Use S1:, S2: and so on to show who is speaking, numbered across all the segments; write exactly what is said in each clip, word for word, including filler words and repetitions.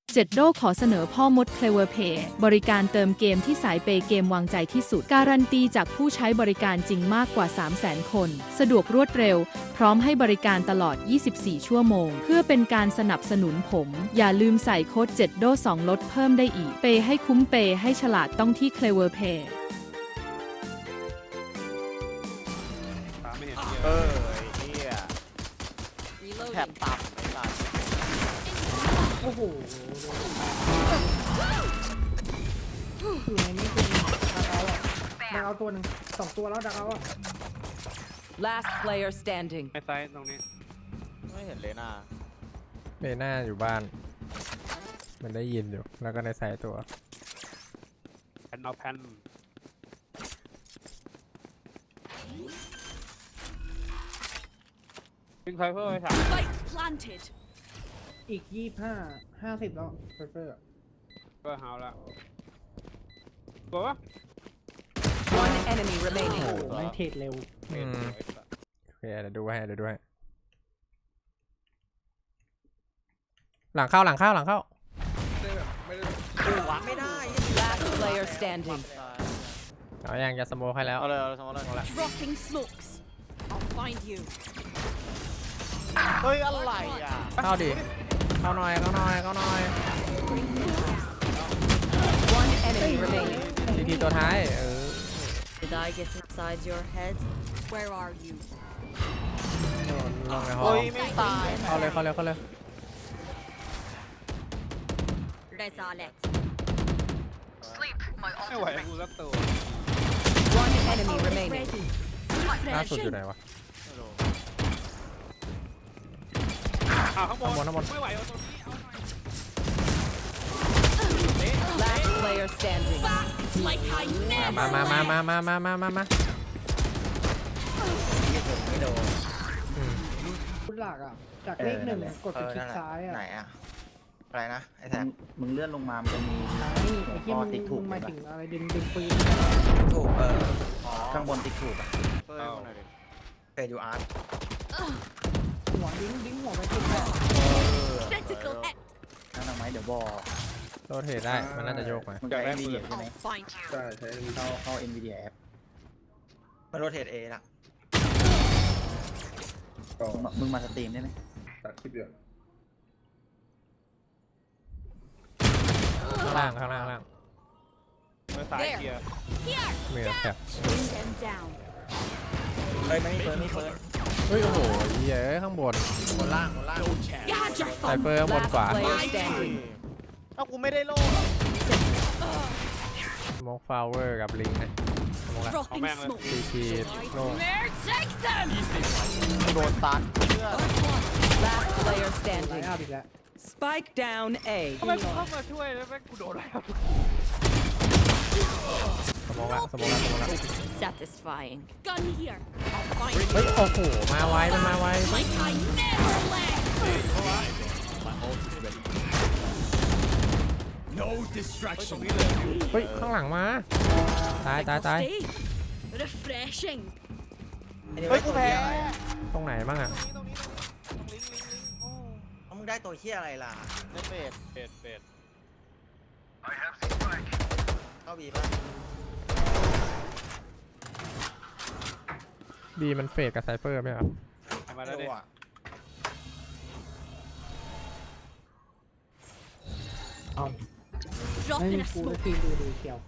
S1: เจ็ดโดขอเสนอพ่อมด Clever Pay บริการเติมเกมที่สายเปย์เกมวางใจที่สุดการันตีจากผู้ใช้บริการจริงมากกว่า สามแสน คน สะดวกรวดเร็วพร้อมให้บริการตลอด ยี่สิบสี่ ชั่วโมง เพื่อเป็นการสนับสนุนผม อย่าลืมใส่โค้ดเจ็ดโดสองลดเพิ่มได้อีกเปย์ให้คุ้มเปย์ให้ฉลาดต้องที่ Clever Pay
S2: ตามไม่เห็นเย
S3: เอ
S2: อะ
S3: อไอ้เหี้ยแถบต่ำไอ้สัส
S4: โอ้โหอยู่ในนี้คือดักเอาอ่ะดักเอาตัวหนึ่งสองตัวแล้วดักเอาอ่ะ
S5: Last player standing.
S2: ไอ้ไซส์ตรงนี้
S3: ไม่เห็นเลยนะ
S6: เมน่าอยู่บ้าน มันได้ยินอยู่ แล้วก็ในสายตัว
S2: แผ่นเอาแผ่นวิ่งไฟเพิ่มไปสาม
S7: Spike planted.
S4: อีกยี่ห้าห้าสิบแล้วเฟอร์เฟอร์
S2: เพิ่มเฮาแล้วบอกว่า
S5: One enemy remaining.
S4: โอ้โหไม่เทรดเร็ว
S6: อืม โอเคเดี๋ยวดูให้เดี๋ยวดูให้หลังเข้าหลังเข้าหลังเข้า
S3: วางไม่ได้
S5: Last player standing.
S6: เอายังจะสโมคให้แล้ว
S3: เอาเลยเอาเลยสมมติเลย
S7: Dropping smokes. I'll find you.
S3: เฮ้ยอะไรอ่ะ
S6: เข้าดิ เข้าหน่อยเข้าหน่อยเข้าหน่อย
S5: One enemy remaining.
S6: ทีทีตัวท้ายเออ
S7: Did I get inside your head? Where are you?
S6: ลงในห้อ
S3: เฮ้
S6: ง
S3: ยไม่ตาย
S6: เข้าเลยเข้าเลยเข้าเลย
S7: Rezalet.
S2: ไม่ไหวกูสักตัว
S5: One enemy remaining.
S7: Ready.
S6: ล่าสุดอยู่ไหนวะ
S3: ไม่รู้
S2: อ่าข้างบน
S6: ข้างบนข้างบน
S2: ไม่ไหวเอาตรงนี้เอาหน่อย
S5: Last player standing.
S7: Like I never
S6: มามามามามามามามามาอืม
S4: พุทหลักอ่ะ จากเลขหนึ่งกดไปคลิกซ้ายอ่ะ
S8: ไหนอะอะไรนะไอ้แทน
S9: มึงเลื่อนลงมา มันจะมี
S4: ไอ้ไอ้ที่
S9: อ๋อ
S4: มึง
S9: ติ๊กถู
S4: มึ
S9: ก
S4: งหมาย
S9: ปะ
S4: ถึงอะไรดึงดึงปืน
S8: ถูกเออ
S9: ข้างบนติ๊กถูกอะ
S3: เฮ้ยคนไหนดิ
S8: เฟยูอาร์ต
S4: หัวดิ้งดิ้งหัวไปคลิกอ่ะ
S7: critical hit.
S9: นั่นเอาไหมเดี๋ยวบอก
S6: โรเทตได้มันน่าจะโยกมา
S9: มึงใช้ NVIDIA ใช่ไหม
S7: I'll find you.
S8: ใช่ใช้
S9: เข้าเข้า NVIDIA app
S8: มันโรเทตเอละ
S9: มึงมามึงมาสตรีมได้ไหม
S8: ตัดคลิปเยอะ
S6: ข้างล่างข้างล่างข้างล่าง
S2: เมื่อสายเกียร์
S7: Here.
S6: มีแถบ
S7: Bring them down.
S8: เฮ้ยไม่มีเฟิร์นไม่มีเฟิร์น
S6: เฮ้ยโอ้โหเย้ยข้างบน
S8: บนล่างบนล่าง
S7: You had your
S6: ไซ
S7: fun.
S6: เฟอร์ข้างบน
S5: Last
S6: ขวา
S5: player standing.
S3: เอ้ากูไม่ได้โล่
S6: สโมกฟลาวเวอร์กับลิงนะสโมกละ
S7: Dropping smoke.
S6: ทีทีโล่
S7: Where take them?
S3: โดนตันเพื่อน
S5: Last player
S4: ไล
S5: standing.
S4: น์อัพอีกแล้ว
S5: Spike down A.
S2: ทำไมกูเข้ามาช่วยแล้วแม่งกูโดนแล้ว
S6: สโมกละสโมกละสโมกละ
S7: Satisfying. Gun here. I'll find
S6: เฮ้ย
S7: you.
S6: โอ้โหมาไวมันมาไว
S7: Like I never left.
S6: เฮ้ยข้างหลังมาตายตายตาย
S7: Stay. Refreshing.
S3: เฮ้ยกูแพ้
S6: ตรงไหนบ้างอ่ะ
S3: ตรงนี้ตรงนี้ตรงลิงก์ลิงก์ลิงก์โอ้
S8: เอามึงได้ตัวเฮียอะไรล่ะ
S3: เล่นเบส
S2: เบ็ดเบ็ด
S8: เข้าบีป่ะ
S6: บีมันเฟดกับไซเฟอร์ไหมครับ
S2: ทำมาแล้วดิ
S8: ไม่รู้อะ
S7: Drop
S4: ไม่
S7: in
S4: มี
S7: a
S4: กู
S7: smoke.
S4: ทีมดูดีเชียว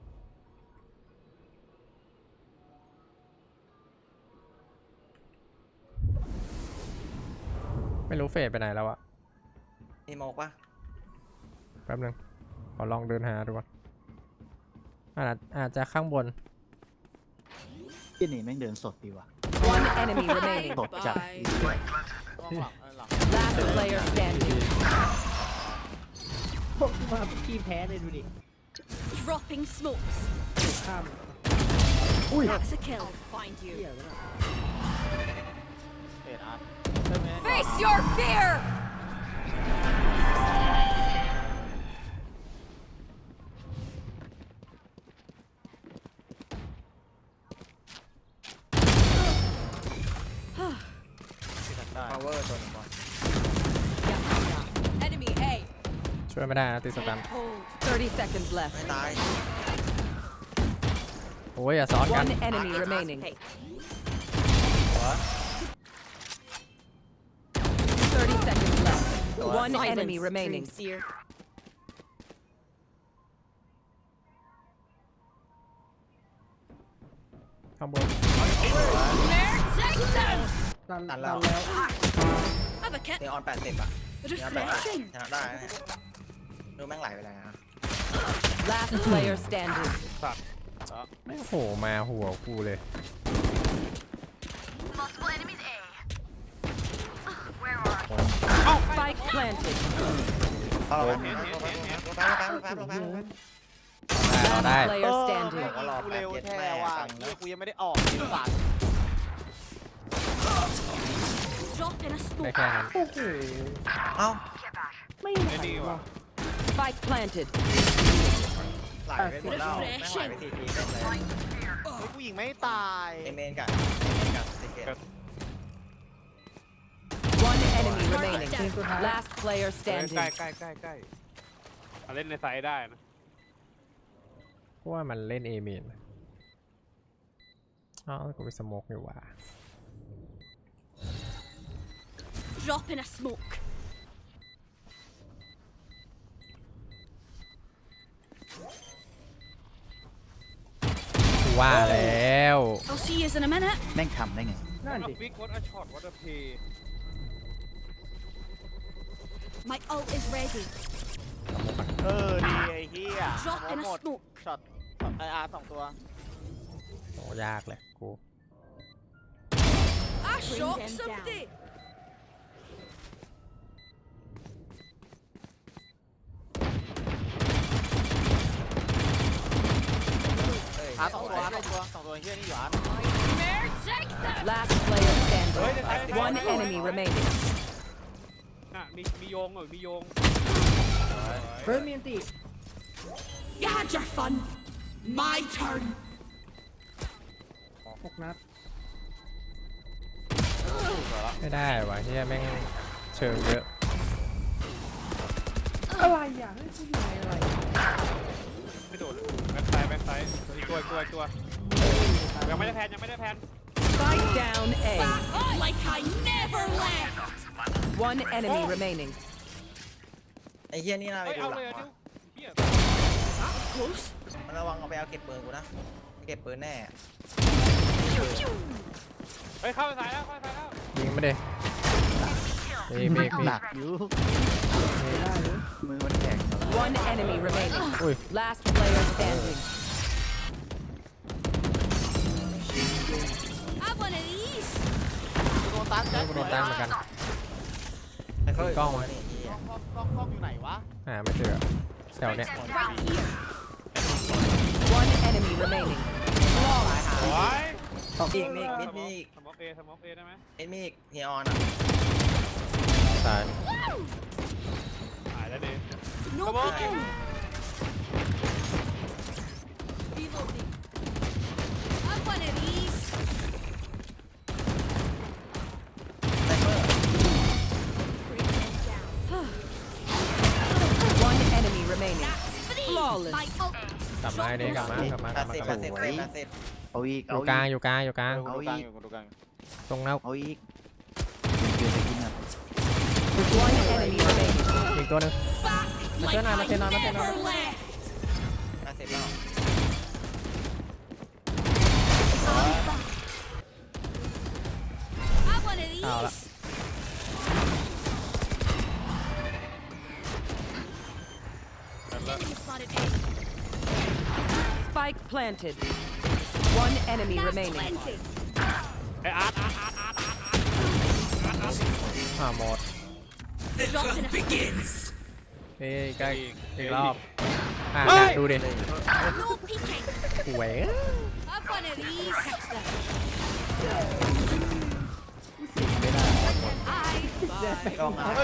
S6: ไม่รู้เฟดไปไหนแล้วอะ
S8: มีโมกป่ะ
S6: แป๊บนึงขอลองเดินหาดูก่อนอาจอาจจะข้างบน
S9: ที่นี่แม่งเดินสดดีว่ะ
S5: One enemy remaining.
S9: สดจัด
S3: ต้องหลังเออหลัง
S5: Last player standing.
S4: พวกมาพี่แพ้เลยดูดิ
S7: Dropping smokes.
S4: ข้าม
S7: That's a kill. I'll find
S4: เที่
S7: you.
S4: ยวะ
S3: เบสอาร์ตใช่ไหม
S7: Face your fear.
S3: That.
S8: พาวเวอร์ตัวหนึ่งบอล
S7: Enemy A.
S6: ช่วยไม่ได้นะติดสตัน
S5: thirty seconds
S8: ไม่
S5: left.
S8: ตาย
S6: โอ้ยอย่าซ้อนกัน
S5: One enemy remaining. thirty seconds left. One enemy remaining.
S7: Sincere.
S6: ข้างบน
S4: ดัน
S8: ตั
S4: ดั
S8: น
S4: น
S8: แล้ว
S4: แล้ว
S7: Have a kit.
S8: เนออนแปดสิบอ่ะเนออนแปดสิบ
S7: Refreshing.
S8: ชนะได้นะเนี่ยดูแม่งไหลไปเลยนะ
S5: Last player standing.
S2: สัตว์
S6: ไม่โผล่มาหัวกูเลย
S5: Spike planted.
S8: เอาเราแป๊บเราแป๊บเราแป๊บเราแป๊บเราแป๊บ
S6: เราได้
S5: Last player standing.
S8: บอกว่ารอ
S9: กู
S8: แป๊
S9: เร็
S8: บ
S9: ว
S8: เย็ด
S9: แท้
S8: แม่
S9: ว่ะ
S8: ฟัง
S9: เหี้
S8: นะ
S9: ยกูยังไม่ได้ออกไอ้สัตว์
S7: Drop in a
S6: ได้
S7: smoke.
S6: แค่นั้น
S4: โอ้โห
S8: เอ้า
S4: ไม่ไหว
S2: ไอ้นี่ว่ะ
S4: ว่ะ
S5: Spike planted.
S8: ไหลไปหมดแล้วแม่งไหลไปทีทีเต็มเลย
S9: เฮ้ยกูยิงไม่ตาย
S8: เอเมนกับเอเมนกับสิเกต
S5: One enemy remaining.
S4: ทีมสุดท้าย
S5: Last player
S2: ใกล้
S5: standing.
S2: ใกล้ใกล้ใกล้ใกล้เอาเล่นในไซด์ได้นะ
S6: เพราะว่ามันเล่นเอเมนอ้าวกูไปสโมกอยู่ว่ะ
S7: Drop in a smoke.
S6: กูว่าแล้ว
S7: I'll see you in a minute.
S9: แม่งทำได้ไง
S4: นั่น
S2: วั
S4: ดิ
S2: ดวิกวัดอะช็อตวัดอะเพย์
S7: My ult is ready.
S9: เออดีไอ้เหี้ย
S7: Drop in a
S9: หมด
S7: smoke.
S9: ช็อตช็อตไออาร์สองตัว
S6: โอ้ยากเลยกู
S7: I shot somebody.
S9: อาร์สองตัวอาร์สองตัวสองตัวไอ้เหี้ยนี่อยู่อาร์
S5: Last player standing. One enemy remaining.
S2: น่ะมีมีโยงเหรอมีโยง
S4: เฮ้ยมีอันติ
S7: You had your fun. My turn.
S4: หกนัด
S6: ไม่ได้ว่ะเฮียแม่งเชิงเยอะ
S4: อะไรอ่ะเฮ้ยกูอยู่ในอะไร
S2: ไม่โดนแบ็คไซด์แบ็คไซด์อีกตัวอีกตัวอีกตัวยังไม่ได้แพนยังไม่ได้แพน
S5: Spike down A.
S7: Like I never left.
S5: One enemy remaining.
S8: ไอ้เหี้ยนี่น่าไป
S2: เฮ้ย
S8: ดู
S2: เอา
S8: หลั
S2: เลย
S8: ง
S2: อ่ะ
S8: ว่ะ
S2: ดิวเฮีย
S7: Close.
S8: มันระวังเอาไปเอาเก็บปืนกูนะเก็บปืนแน่
S2: เฮ้ยเข้าไปสายแล้วเข้าไปสายแล้ว
S6: ยิงไม่ได้มีมีมี
S9: หนักอยู่
S4: ได้เลย
S9: มือมันแข็ง
S5: One enemy remaining.
S6: อุ้ย
S5: Last player standing.
S7: Have one of these.
S9: กูโดนตัน
S6: กูโดนตั้งเหมือนกัน
S8: ไอ้เขา
S6: กล้องวะ
S8: นี่เหี้ย
S9: กล้องกล้องกล้องอยู่ไหนวะ
S6: หาไม่เจอแถวเนี้ย
S7: Right here.
S5: One enemy remaining.
S2: โอ้ย
S8: มีอีกมีอีกมิดมีอีก
S2: สมอกเอสมอกเอได้ไหม
S8: มิดมีอีกเฮียออนอ่ะ
S6: ตาย
S2: หายแล้วดิ
S7: No
S2: Come on.
S7: peeking. Reloading. Have one of these.
S8: ไซเฟอร์
S7: Bring them down.
S5: One enemy remaining.
S7: Three.
S5: Flawless.
S7: My ult.
S6: กลับมาไอ้นี่กลับมากลับมาก
S8: แป
S6: ลั
S8: ด
S6: บมา
S8: สิบ
S6: กลับ
S8: แปด
S6: มา
S8: สิบแปดสิบ
S9: เอาอีก
S6: อ
S9: เอา
S6: ยู่
S9: อี
S6: กลางอยู่กลางอยู่กลาง
S9: เอาอีก
S6: ตรงแล้ว
S9: เอาอีกเกินไปกินอ่ะ
S5: One enemy remaining.
S6: อีกตัวหนึง
S7: Back.
S6: Mà
S7: Like
S6: thế nào, mà
S7: I
S6: thế nào, mà thế
S7: never
S6: nào?
S7: left.
S8: แปดสิบแล้ว
S7: Have one of
S6: เอาละ
S7: these. Enemy spotted A.
S5: Spike planted. One enemy
S7: That's
S5: remaining.
S7: plenty.
S2: ไอ้อาร์ตอาร์ตอาร์ตอาร์ตอาร์ตอาร์ต
S6: อ่าหมด
S7: Drop in a smoke.
S6: เอ้ยใกล้
S2: อีก
S6: อีกรอบอ่า
S2: เฮ้ย
S6: ดูดิ
S7: No peeking.
S6: หวย
S7: Have one of these. I.
S8: กล้องอ่ะ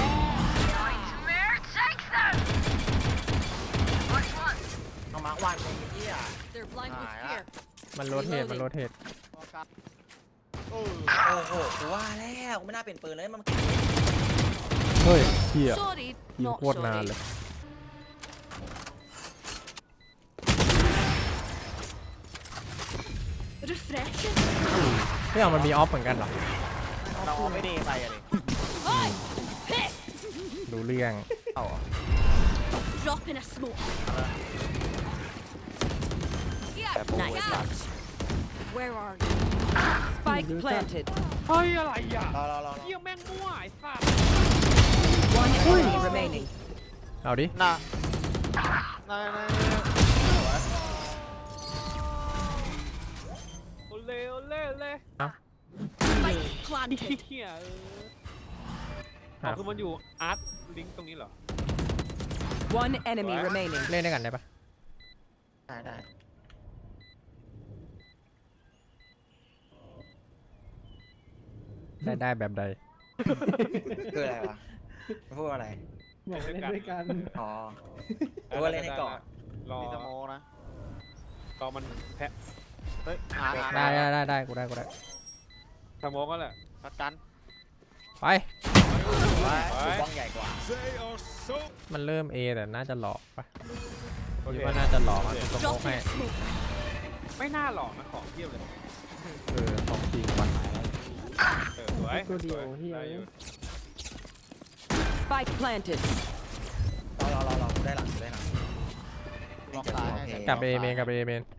S8: เอามาร์ควันไอ้เหี้ย
S7: They're blind with
S8: Ah,
S7: fear.
S6: มันโรเทตมันโรเทต
S9: โอ้
S8: โอ้โหกูว่าแล้วกูไม่น่าเปลี่ยนปืนเลยมัน
S6: เฮ้ยเฮีย
S7: Sorry,
S6: ยิง
S7: not
S6: โคตรนาน
S7: sorry.
S6: เลย
S7: Refreshing.
S6: ไม่เอามันมีออฟเหมือนกันเหรอ
S8: เราเอาไม่ดีไปอะดิ
S6: ดูเรื่อง
S8: เอาเหรอ
S7: Drop in a smoke.
S8: แต่ปู
S7: Nice
S8: ไอ้สัต
S7: touch.
S8: ว์
S7: Where are you?
S5: Spike planted.
S2: เฮ้ยอะไรอ่ะ
S8: รอรอรอรอ
S2: เยี่ยแม่งมั่วไอ้สัส
S5: One enemy remaining.
S6: เอาดิ
S8: น่ะน่ะน่ะ
S2: โอเล่โอเล่โอเล่
S7: Spike planted.
S2: เฮียเอออ๋อคือมันอยู่อาร์ตลิงก์ตรงนี้เหรอ
S5: One enemy remaining.
S6: เล่นด้วยกันได้ปะ
S8: ได้ได้
S6: ได้ได้แบบใด
S8: คืออะไรวะพูดว่าอะไร
S4: บอกเล่นด้วยกัน
S8: อ๋อพูดว่าเล่นให้ก่อน
S2: รอ
S8: มีสโมนะ
S2: รอมันแพะ
S8: เฮ้ยอาร์ตอาร์ต
S6: ได้ได้ได้ได้กูได้กูได้
S2: สโมองก็แหละ
S8: ประกัน
S6: ไป
S8: ไว้ดูบ้องใหญ่กว่า
S6: มันเริ่ม A แต่น่าจะหลอกปะ
S2: โอ
S6: คิ
S2: เค
S6: ดว่าน่าจะหลอกอ่ะสโม
S7: Drop
S6: กให้
S7: in a smoke.
S2: ไม่น่าหลอกนะของเทียบเลย
S6: เออของจริงว่ะ
S2: เออสวย
S4: ตัวเดียว
S2: ส
S4: เหี้ย
S2: ได้อยู่
S5: Spike planted.
S8: รอรอรอรอกูได้หลังกูได้หลังลองซ้ายให้
S6: กลับ A เมนกลับ A เมน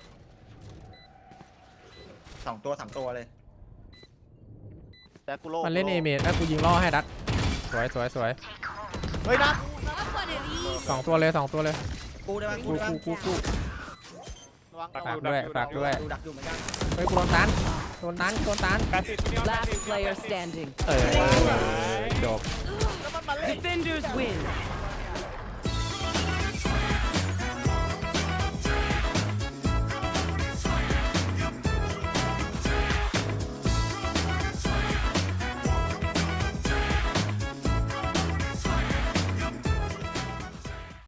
S8: สองตัวสามตัวเลยแต่กูโล
S6: มันเล่น A เมนแล้วกูยิงล่อให้ดัดสวยสวยสวย
S8: เฮ้ยนะ
S7: Up on it easy.
S6: สองตัวเลยสองตัวเลย
S8: กูได้ไหมกู
S6: กู
S8: ได้ไหม
S6: กูกูกู
S8: ระวัง
S6: ฝากด้วยฝากด้วย
S8: ดูดักอยู่เหมือนกัน
S6: เฮ้ยกูโดนตันโดนตันโดนตัน
S2: แปดสิบพี่น้อง
S5: Last player standing.
S6: เออจบ
S5: Defenders win.